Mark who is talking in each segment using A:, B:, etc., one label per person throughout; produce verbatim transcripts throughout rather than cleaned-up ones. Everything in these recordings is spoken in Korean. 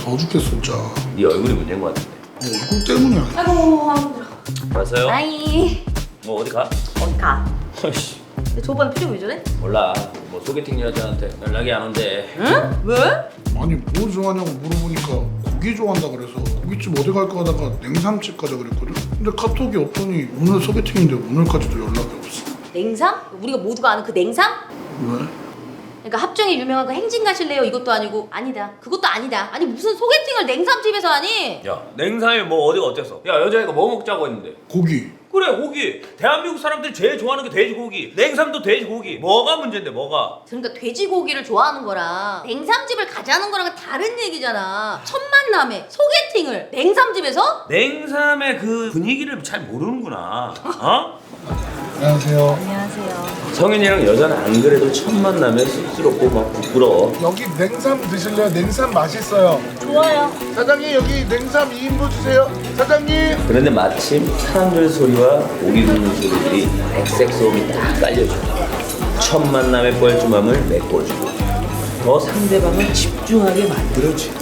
A: 더워 죽겠어 진짜.
B: 네 얼굴이 문제인 것 같은데.
A: 얼굴 때문이야.
C: 아이고 아이고.
B: 왔어요?
C: 아이
B: 뭐 어디 가?
C: 어디 가?
B: 아이씨
C: 근데 저번 표정 왜 저래?
B: 몰라. 뭐 소개팅 여자한테 연락이 안 온대.
C: 응? 왜?
A: 아니 뭐 좋아하냐고 물어보니까 고기 좋아한다 그래서 고깃집 어디 갈까 하다가 냉삼집 가자 그랬거든. 근데 카톡이 없더니 오늘 소개팅인데 오늘까지도 연락이 없어.
C: 냉삼? 우리가 모두가 아는 그 냉삼?
A: 왜?
C: 그러니까 합정에 유명한 그 행진 가실래요? 이것도 아니고 아니다. 그것도 아니다. 아니 무슨 소개팅을 냉삼집에서 하니?
B: 야 냉삼이 뭐 어디가 어땠어? 야 여자애가 뭐 먹자고 했는데.
A: 고기.
B: 그래 고기. 대한민국 사람들이 제일 좋아하는 게 돼지고기. 냉삼도 돼지고기. 뭐가 문제인데 뭐가?
C: 그러니까 돼지고기를 좋아하는 거랑 냉삼집을 가자는 거랑은 다른 얘기잖아. 첫 만남에 소개팅을 냉삼집에서?
B: 냉삼의 그 분위기를 잘 모르는구나. 어?
A: 안녕하세요.
C: 안녕하세요.
B: 성현이랑 여자는 안 그래도 첫 만나면 쑥스럽고 막 부끄러워.
A: 여기 냉삼 드실래요? 냉삼 맛있어요.
C: 좋아요.
A: 사장님 여기 냉삼 이 인분 주세요. 사장님.
B: 그런데 마침 사람들 소리와 고기 굽는 소리들이 백색 소음이 딱 깔려줘. 첫 만남의 뻘쭘함을 메꿔주고 더 상대방을 집중하게 만들어줘.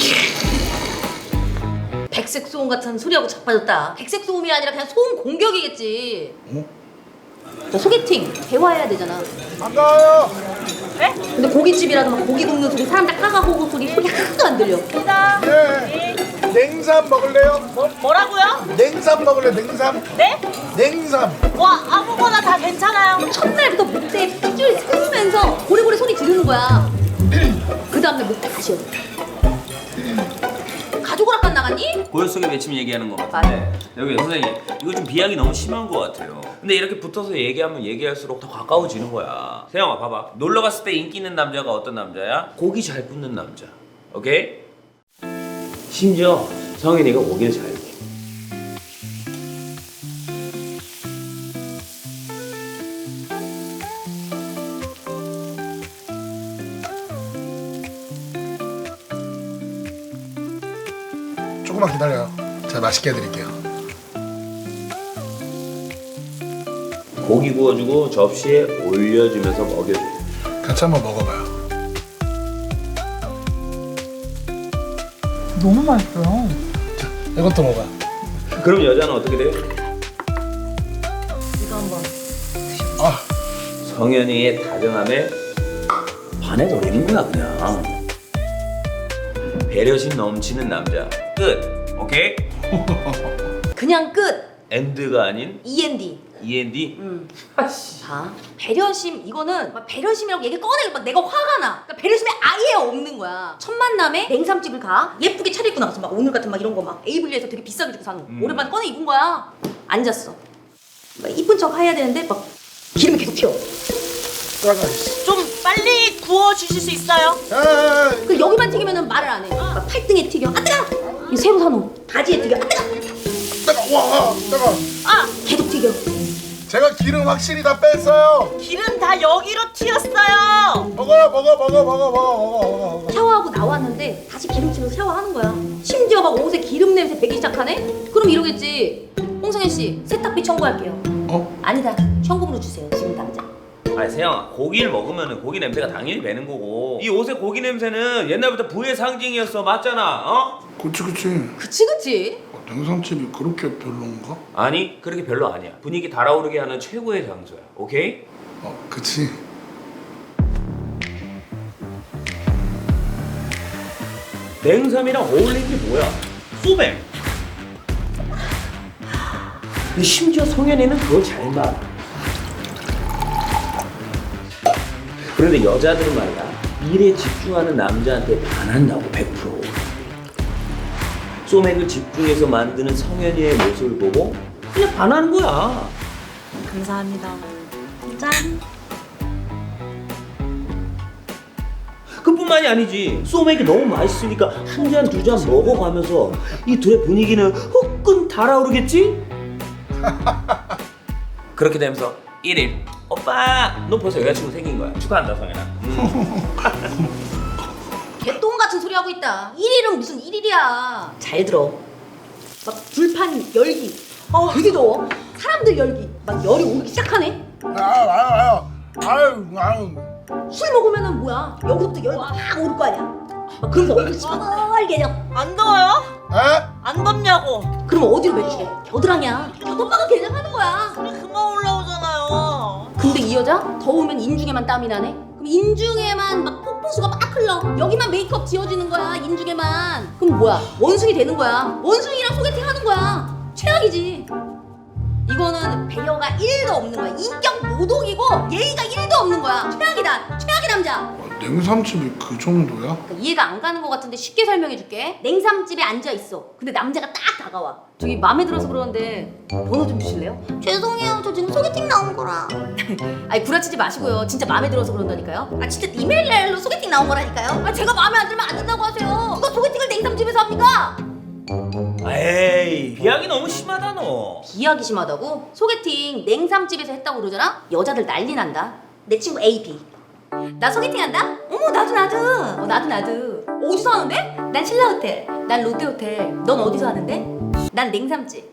C: 백색 소음 같은 소리하고 자빠졌다. 백색 소음이 아니라 그냥 소음 공격이겠지.
A: 어?
C: 자, 소개팅 대화해야 되잖아.
A: 반가워요.
C: 그래? 근데 고깃집이라도 막 고기 굽는 소리, 사람들 까가고고 소리 소리 하나도 안 들려.
A: 네. 냉삼 먹을래요?
D: 뭐, 뭐라고요?
A: 냉삼 먹을래? 냉삼?
D: 네?
A: 냉삼.
D: 와 아무거나 다 괜찮아요.
C: 첫날부터 목대에 핏줄이 쓰면서 고래고래 소리 지르는 거야. 그 다음날 목대 다시 해. 가족을 아까 나갔니?
B: 고요 속의 외침 얘기하는 것 같은데 여기 선생님 이거 좀 비약이 너무 심한 것 같아요. 근데 이렇게 붙어서 얘기하면 얘기할수록 더 가까워지는 거야. 세영아 봐봐. 놀러 갔을 때 인기 있는 남자가 어떤 남자야? 고기 잘 굽는 남자. 오케이? 심지어 성현이가 고기를 잘 굽어.
A: 조금만 기다려요. 제가 맛있게 해드릴게요.
B: 고기 구워주고 접시에 올려주면서 먹여줘.
A: 같이 한번 먹어봐요.
D: 너무 맛있어요.
A: 자, 이것도 먹어요.
B: 그럼 여자는 어떻게 돼?
C: 이거 한번.
A: 아,
B: 성현이의 다정함에 반해버리는 거야 그냥. 배려심 넘치는 남자 끝. 오케이?
C: 그냥 끝.
B: 엔드가 아닌
C: 이엔디.
B: 이엔디.
C: 음. 자, 배려심 이거는 막 배려심이라고 얘기 꺼내고 막 내가 화가 나. 그러니까 배려심이 아예 없는 거야. 첫 만남에 냉삼집을 가 예쁘게 차려입고 나가서 막 오늘 같은 막 이런 거 막 에이블리에서 되게 비싸게 주고 사는
B: 음.
C: 오랜만에 꺼내 입은 거야. 앉았어. 막 이쁜 척 해야 되는데 막 기름이 계속 튀어.
A: 따가.
D: 좀 빨리 구워 주실 수 있어요?
A: 아,
C: 그 여기만 튀기면은 말을 안 해. 막 팔등에 튀겨. 아 뜨거. 이 새로 산 옷 바지에 튀겨. 아 뜨거.
A: 따가. 와, 따가.
D: 아
C: 계속 튀겨.
A: 제가 기름 확실히 다 뺐어요.
D: 기름 다 여기로 튀었어요.
A: 먹어요, 먹어, 먹어, 먹어, 먹어, 먹어, 먹어.
C: 샤워하고 나왔는데 다시 기름치면서 샤워하는 거야. 심지어 막 옷에 기름 냄새 배기 시작하네? 그럼 이러겠지. 홍성현 씨 세탁비 청구할게요.
A: 어?
C: 아니다. 현금으로 주세요. 지금 당장.
B: 아니 세영아 고기를 먹으면 고기 냄새가 당연히 배는 거고 이 옷의 고기 냄새는 옛날부터 부의 상징이었어. 맞잖아. 어?
A: 그치, 그치.
C: 그치 그치.
A: 어, 냉삼집이 그렇게 별론가?
B: 아니 그렇게 별로 아니야. 분위기 달아오르게 하는 최고의 장소야. 오케이?
A: 어, 그치.
B: 냉삼이랑 어울리는 게 뭐야? 소맥. 근데 심지어 성현이는 그걸 잘 말아. 그런데 여자들은 말이야 일에 집중하는 남자한테 반한다고 백 퍼센트. 소맥을 집중해서 만드는 성현이의 모습을 보고 그냥 반하는 거야.
D: 감사합니다. 짠.
B: 그뿐만이 아니지. 소맥이 너무 맛있으니까 한 잔 두 잔 먹어가면서 이 둘의 분위기는 후끈 달아오르겠지? 그렇게 되면서 일 일 오빠 너 벌써 여자친구 생긴 거야. 축하한다 성현아. 음.
C: 개똥 같은 소리 하고 있다. 일일은 무슨 일일이야. 잘 들어. 막 불판 열기. 어 되게 더워. 사람들 열기. 막 열이 오르기 시작하네.
A: 아유, 아유, 아유. 아유, 아유.
C: 술 먹으면은 뭐야? 여기서부터 열 막 오를 거 아니야. 막 그러면서 얼굴 시뻘게
D: 안 더워요?
A: 에?
D: 안 덥냐고.
C: 그럼 어디로 매주시게? 겨드랑이야. 오빠가 개장하는 거야.
D: 소리 그만 올라오잖아요.
C: 근데 이 여자 더우면 인중에만 땀이 나네? 그럼 인중에만 막 폭포수가 막 흘러. 여기만 메이크업 지워지는 거야, 인중에만. 그럼 뭐야? 원숭이 되는 거야. 원숭이랑 소개팅 하는 거야. 최악이지. 이거는 배려가 일도 없는 거야. 인격 모독이고 예의가 일도 없는 거야. 최악이다. 최악의 남자.
A: 아, 냉삼집이 그 정도야?
C: 그러니까 이해가 안 가는 것 같은데 쉽게 설명해 줄게. 냉삼집에 앉아 있어. 근데 남자가 딱 다가와. 저기 마음에 들어서 그러는데 번호 좀 주실래요? 죄송해요. 저 지금 소개팅 나온 거라. 아니 구라치지 마시고요. 진짜 마음에 들어서 그런다니까요. 아 진짜 이메일로 소개팅 나온 거라니까요. 아 제가 마음에 안 들면 안 된다고 하세요. 누가 소개팅을 냉삼집에서 합니까?
B: 에이 비약이 너무 심하다 너.
C: 비하기 심하다고? 소개팅 냉삼집에서 했다고 그러잖아? 여자들 난리 난다. 내 친구 에이 비. 나 소개팅 한다? 어머 나도 나도. 어 나도 나도. 어디서 하는데? 난 신라호텔. 난 롯데호텔. 넌 어디서 하는데? 난 냉삼집.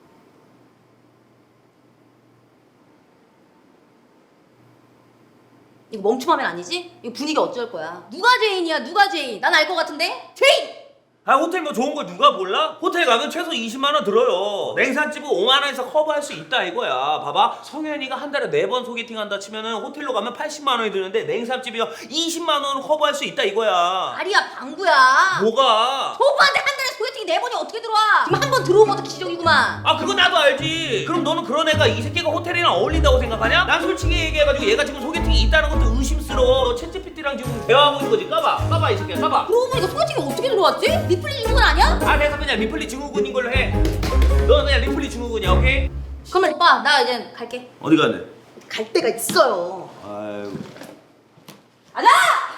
C: 이거 멈춤하면 아니지? 이거 분위기 어쩔 거야. 누가 죄인이야 누가 죄인? 난 알 것 같은데? 죄인!
B: 아 호텔 뭐 좋은 걸 누가 몰라? 호텔 가면 최소 이십만 원 들어요. 냉산집은 오만 원에서 커버할 수 있다 이거야. 봐봐 성현이가 한 달에 네 번 소개팅 한다 치면은 호텔로 가면 팔십만 원이 드는데 냉산집이요 이십만 원은 커버할 수 있다 이거야.
C: 아리야 방구야.
B: 뭐가?
C: 저 오빠한테 한 달에 소개팅 네 번이 어떻게 들어와? 지금 한 번 들어오면 것도 기적이구만.
B: 아 그거 나도 알지. 그럼 너는 그런 애가 이 새끼가 호텔이랑 어울린다고 생각하냐? 난 솔직히 얘기해가지고 얘가 지금 소개팅이 있다는 것도 의심스러워. 너 챗지피티랑 지금 대화하고 있는 거지. 까봐 까봐 이 새끼야 까봐.
C: 그러고 보니까 소개팅이 어떻게 들어왔지? 리플리 증후군 아니야?
B: 아 내가 그냥 리플리 증후군인 걸로 해. 너는 그냥 리플리 증후군이야 오케이?
C: 그러면 오빠 나 이제 갈게.
B: 어디 가는데?
C: 갈 데가 있어요.
B: 아유
C: 가자!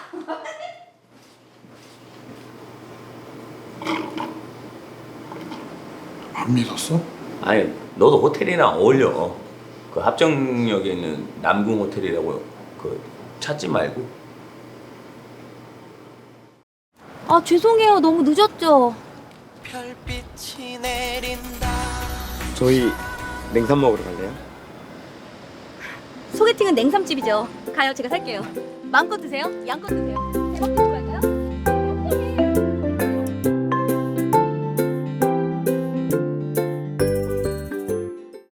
A: 안 믿었어?
B: 아니 너도 호텔이랑 어울려. 그 합정역에 있는 남궁 호텔이라고 그 찾지 말고.
C: 아 죄송해요 너무 늦었죠?
E: 별빛이 내린다.
F: 저희 냉삼 먹으러 갈래요?
C: 소개팅은 냉삼집이죠. 가요 제가 살게요. 마음껏 드세요. 양껏 드세요. 대박 드세요.